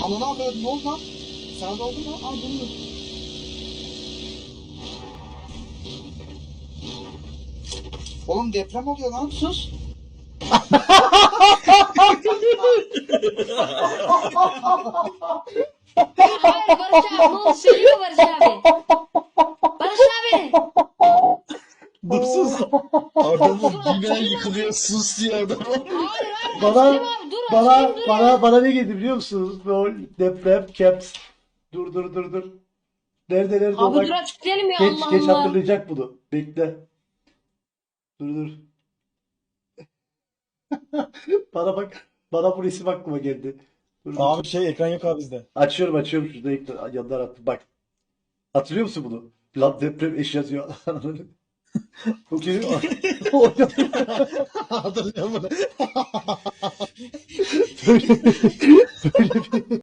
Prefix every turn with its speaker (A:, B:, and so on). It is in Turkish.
A: Ananı avradım, ne oldu lan? Sana da oldu mu?
B: Aa dur.
A: Oğlum deprem oluyor lan.
B: Sus. Hayır Barış abi ne oldu söylüyor Barış abi. Barış abi.
C: Dur sus. Adamın bina yıkılıyor sus diye adam.
B: Hayır hayır.
D: Bana
B: Açayım abi dur açayım dur ya.
D: bana ne geldi biliyor musunuz? Rol, deprem, caps. Dur. Nerede o
B: Abi
D: bak.
B: dur açıklayalım ya
D: Geç
B: Allah
D: geç
B: Allah.
D: hatırlayacak bunu. Bekle. Dur. Bana bak. Bana bu resim aklıma geldi. Dur.
C: Abi şey ekran yok abi bizde.
D: Açıyorum şurada ekran yandan attım. Bak. Hatırlıyor musun bunu? Lan deprem eş yazıyor. O geliyor.
C: Hatırlıyorum bunu.
D: Böyle, böyle bir